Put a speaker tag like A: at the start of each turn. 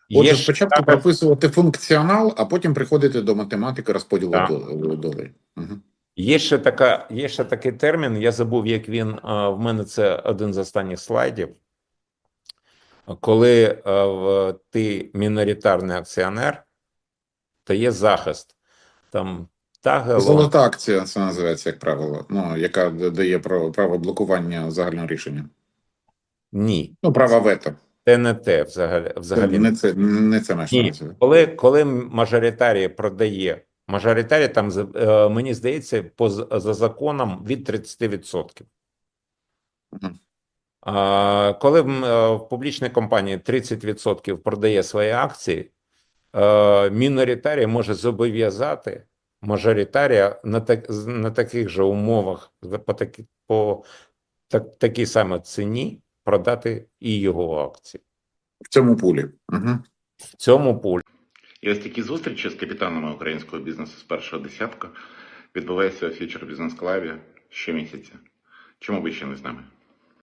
A: Отже,
B: Є ще
A: спочатку
B: зараз,
A: прописувати функціонал, а потім приходити до математики розподілу
B: так.
A: долей. Угу.
B: Є ще такий термін, я забув, як він, в мене це один з останніх слайдів. Коли ти міноритарний акціонер, то є захист. Там тагелон.
A: Золота акція, це називається, як правило, ну, яка дає право блокування загального рішення.
B: Ні.
A: Ну, право вето.
B: Це не те взагалі.
A: Не це наша
B: Ні.
A: назва.
B: Коли мажоритарій продає, мажоритарій там, мені здається, за законом від 30%.
A: Угу.
B: Коли в публічній компанії 30% продає свої акції, міноритарій може зобов'язати мажоритарія на таких же умовах, по такій самій ціні продати і його акції.
A: В цьому пулі. Угу.
B: В цьому пулі.
C: І ось такі зустрічі з капітанами українського бізнесу з першого десятка відбуваються у Future Business Club щомісяця. Чому ви ще не з нами?